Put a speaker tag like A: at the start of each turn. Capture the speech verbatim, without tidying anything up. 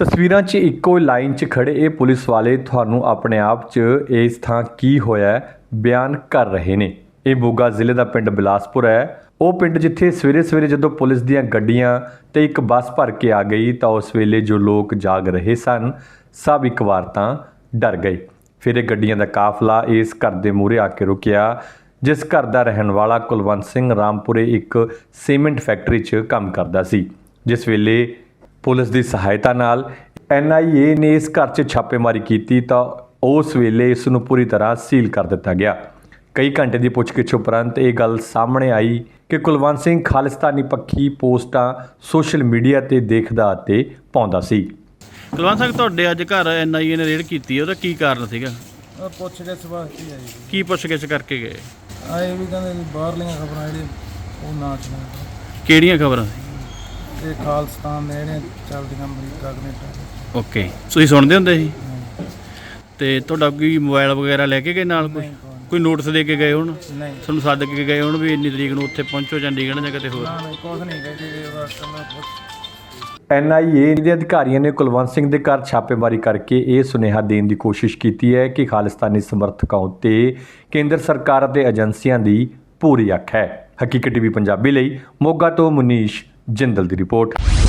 A: ਤਸਵੀਰਾਂ 'ਚ ਇੱਕੋ ਲਾਈਨ 'ਚ ਖੜੇ ਇਹ ਪੁਲਿਸ ਵਾਲੇ ਤੁਹਾਨੂੰ ਆਪਣੇ ਆਪ 'ਚ ਇਸ ਥਾਂ ਕੀ ਹੋਇਆ ਬਿਆਨ ਕਰ ਰਹੇ ਨੇ। ਇਹ ਮੋਗਾ ਜ਼ਿਲ੍ਹੇ ਦਾ ਪਿੰਡ ਬਿਲਾਸਪੁਰ ਹੈ। ਉਹ ਪਿੰਡ ਜਿੱਥੇ ਸਵੇਰੇ ਸਵੇਰੇ ਜਦੋਂ ਪੁਲਿਸ ਦੀਆਂ ਗੱਡੀਆਂ ਤੇ ਇੱਕ ਬੱਸ ਭਰ ਕੇ ਆ ਗਈ ਤਾਂ ਉਸ ਵੇਲੇ ਜੋ ਲੋਕ ਜਾਗ ਰਹੇ ਸਨ ਸਭ ਇੱਕ ਵਾਰ ਤਾਂ ਡਰ ਗਏ। ਫਿਰ ਇਹ ਗੱਡੀਆਂ ਦਾ ਕਾਫਲਾ ਇਸ ਘਰ ਦੇ ਮੂਹਰੇ ਆ ਕੇ ਰੁਕਿਆ, ਜਿਸ ਘਰ ਦਾ ਰਹਿਣ ਵਾਲਾ ਕੁਲਵੰਤ ਸਿੰਘ ਰਾਮਪੁਰੇ ਇੱਕ ਸੀਮੈਂਟ ਫੈਕਟਰੀ 'ਚ ਕੰਮ ਕਰਦਾ ਸੀ। ਜਿਸ ਵੇਲੇ ਪੁਲਿਸ ਦੀ ਸਹਾਇਤਾ ਨਾਲ ਐਨ ਆਈ ਏ ਨੇ ਇਸ ਘਰ 'ਚ ਛਾਪੇਮਾਰੀ ਕੀਤੀ ਤਾਂ ਉਸ ਵੇਲੇ ਇਸ ਨੂੰ ਪੂਰੀ ਤਰ੍ਹਾਂ ਸੀਲ ਕਰ ਦਿੱਤਾ ਗਿਆ। ਕਈ ਘੰਟੇ ਦੀ ਪੁੱਛਗਿੱਛ ਉਪਰੰਤ ਇਹ ਗੱਲ ਸਾਹਮਣੇ ਆਈ ਕਿ ਕੁਲਵੰਤ ਸਿੰਘ ਖਾਲਿਸਤਾਨੀ ਪੱਖੀ ਪੋਸਟਾਂ ਸੋਸ਼ਲ ਮੀਡੀਆ ਤੇ ਦੇਖਦਾ ਅਤੇ ਪਾਉਂਦਾ ਸੀ।
B: ਕੁਲਵੰਤ ਸਿੰਘ, ਤੁਹਾਡੇ ਅੱਜ ਘਰ ਐਨ ਆਈ ਏ ਨੇ ਰੇਡ ਕੀਤੀ, ਉਹਦਾ ਕੀ ਕਾਰਨ ਸੀਗਾ?
C: ਉਹ ਪੁੱਛ ਗਿੱਛ ਵਾਸਤੇ ਆਈ ਜੀ।
B: ਕੀ ਪੁੱਛਗਿੱਛ ਕਰਕੇ ਗਏ?
C: ਆਏ ਵੀ ਕਹਿੰਦੇ ਵੀ ਬਾਹਰਲੀਆਂ ਖਬਰਾਂ ਜਿਹੜੀਆਂ ਉਹ ਨਾ ਚਲਾਓ।
B: ਕਿਹੜੀਆਂ ਖਬਰਾਂ?
C: ਇਹ ਖਾਲਿਸਤਾਨ ਦੇ ਜਿਹੜੀਆਂ ਚੱਲਦੀਆਂ ਅਮਰੀਕਾ ਕੈਨੇਡਾ।
B: ਓਕੇ, ਤੁਸੀਂ ਸੁਣਦੇ ਹੁੰਦੇ ਸੀ? ਤੇ ਤੁਹਾਡਾ ਕੋਈ ਮੋਬਾਈਲ ਵਗੈਰਾ ਲੈ ਕੇ ਗਏ ਨਾਲ? ਕੋਈ ਕੋਈ ਨੋਟਿਸ ਦੇ ਕੇ ਗਏ ਹੋਣ?
C: ਨਹੀਂ,
B: ਤੁਹਾਨੂੰ ਸੱਦ ਕੇ ਗਏ ਹੋਣ ਵੀ ਇੰਨੀ ਤਰੀਕ ਨੂੰ ਉੱਥੇ ਪਹੁੰਚੋ ਚੰਡੀਗੜ੍ਹ ਜਾਂ ਕਿਤੇ ਹੋਰ?
C: ਨਾ ਨਹੀਂ, ਕੁਛ ਨਹੀਂ ਕਹਿੰਦੇ ਜੀ। ਉਹਦਾ ਮੈਂ ਪੁੱਛ
A: ਐਨ ਆਈ ਏ ਦੇ ਅਧਿਕਾਰੀਆਂ ਨੇ ਕੁਲਵੰਤ ਸਿੰਘ ਦੇ ਘਰ ਛਾਪੇਮਾਰੀ ਕਰਕੇ ਇਹ ਸੁਨੇਹਾ ਦੇਣ ਦੀ ਕੋਸ਼ਿਸ਼ ਕੀਤੀ ਹੈ ਕਿ ਖਾਲਿਸਤਾਨੀ ਸਮਰਥਕਾਂ ਉੱਤੇ ਕੇਂਦਰ ਸਰਕਾਰ ਅਤੇ ਏਜੰਸੀਆਂ ਦੀ ਪੂਰੀ ਅੱਖ ਹੈ। ਹਕੀਕਤ ਟੀਵੀ ਪੰਜਾਬੀ ਲਈ ਮੋਗਾ ਤੋਂ ਮੁਨੀਸ਼ ਜਿੰਦਲ ਦੀ ਰਿਪੋਰਟ।